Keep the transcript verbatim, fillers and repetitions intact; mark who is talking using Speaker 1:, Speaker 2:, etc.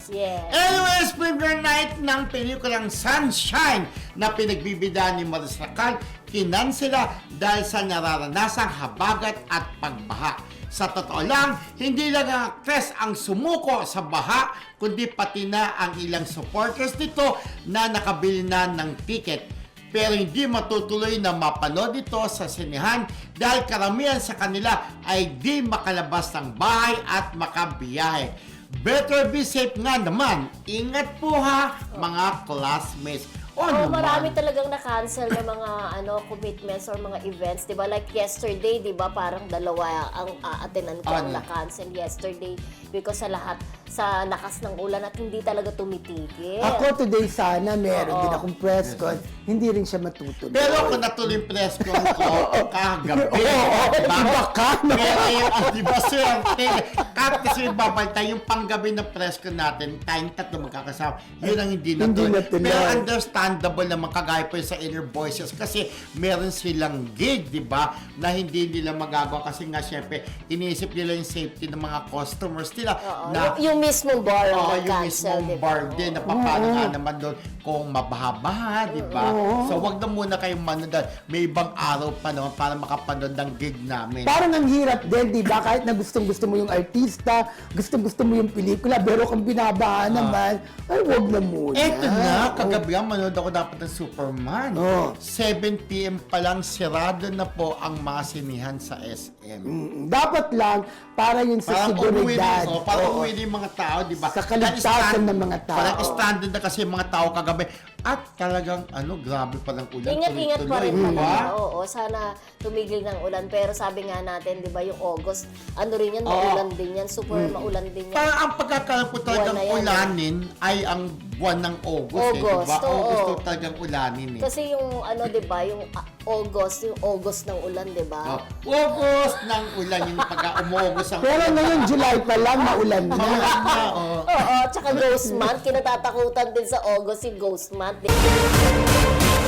Speaker 1: Yes.
Speaker 2: Anyways, premiere night ng pelikulang Sunshine na pinagbibida ni Maris Racal, kinansela dahil sa nararanasang habagat at pagbaha. Sa totoo lang, hindi lang ang actress ang sumuko sa baha, kundi pati na ang ilang supporters nito na nakabili na ng ticket. Pero hindi matutuloy na mapanood ito sa sinehan dahil karamihan sa kanila ay di makalabas ng bahay at makabiyahe. Better be safe nga naman. Ingat po ha, mga classmates. O
Speaker 1: Oh,
Speaker 2: naman.
Speaker 1: marami talagang na-cancel ng mga ano commitments or mga events, 'di ba? Like yesterday, 'di ba? Parang dalawa ang aatinan ko ang
Speaker 2: Ano?
Speaker 1: na-cancel yesterday because sa lahat sa lakas ng ulan at hindi talaga tumitigil.
Speaker 3: Ako today sana meron
Speaker 1: Oo.
Speaker 3: din akong press con, hindi rin siya matutuloy.
Speaker 2: Pero kung natuloy yung press con ko, kagabi.
Speaker 3: Oo, iba ka, no?
Speaker 2: Pero yung, ah, di ba sir, kahit kasi babalta yung panggabi ng press con natin, tayong tatlo magkakasama, yun ang hindi
Speaker 3: Hindi
Speaker 2: natuloy.
Speaker 3: natuloy.
Speaker 2: Pero understandable naman kagaya po yun sa Inner Voices kasi meron silang gig, di ba, na hindi nila magagawa kasi nga syempre, iniisip nila yung safety ng mga customers nila.
Speaker 1: Oo.
Speaker 2: Na,
Speaker 1: yung, yung mismong bar ang
Speaker 2: Oo, yung
Speaker 1: na-cancel,
Speaker 2: mismong
Speaker 1: di ba?
Speaker 2: bar din, na paano
Speaker 3: Oo.
Speaker 2: nga naman doon kung mabaha-baha, di ba? So, wag na muna kayong manood. May ibang araw pa naman para makapanood ng gig namin.
Speaker 3: Parang ang hirap din, di ba? Kahit na gustong-gusto mo yung artista, gustong-gusto mo yung pelikula, pero kung binabahan naman, ay wag na muna.
Speaker 2: Eto na, kagabi nga manood ako dapat ng Superman.
Speaker 3: Oo.
Speaker 2: seven p m pa lang, sirado na po ang mga sinihan sa S M.
Speaker 3: Mm, dapat lang, para yun sa
Speaker 2: Parang umuwi
Speaker 3: seguridad.
Speaker 2: din, oh, parang
Speaker 3: Oo.
Speaker 2: umuwi din yung mga tao, di ba?
Speaker 3: Sa kaligtasan
Speaker 2: Stand-
Speaker 3: ng mga tao.
Speaker 2: Parang standard na kasi yung mga tao kagabi. At talagang, ano, grabe pa ng ulan.
Speaker 1: Ingat-ingat pa rin
Speaker 2: tuloy-tuloy, di ba?
Speaker 1: talaga. Oo, sana tumigil ng ulan. Pero sabi nga natin, di ba, yung August, ano rin yan,
Speaker 2: Oo.
Speaker 1: maulan din yan. Super maulan din yan.
Speaker 2: Parang ang pagkakaroon po talagang
Speaker 1: Buwan na yan,
Speaker 2: ulanin ay ang buwan ng August, eh,
Speaker 1: August,
Speaker 2: diba?
Speaker 1: oo.
Speaker 2: August to talagang ulanin eh.
Speaker 1: Kasi yung ano, di ba, yung ah, August, yung August ng ulan, di ba?
Speaker 2: Oh, August ng ulan, yung pagka-umugos ang
Speaker 3: Pero ngayon, July pa lang, maulan na.
Speaker 2: Maulan na, oh.
Speaker 1: Oo, tsaka Ghost Month. Kinatatakutan din sa August yung Ghost Month. di ba?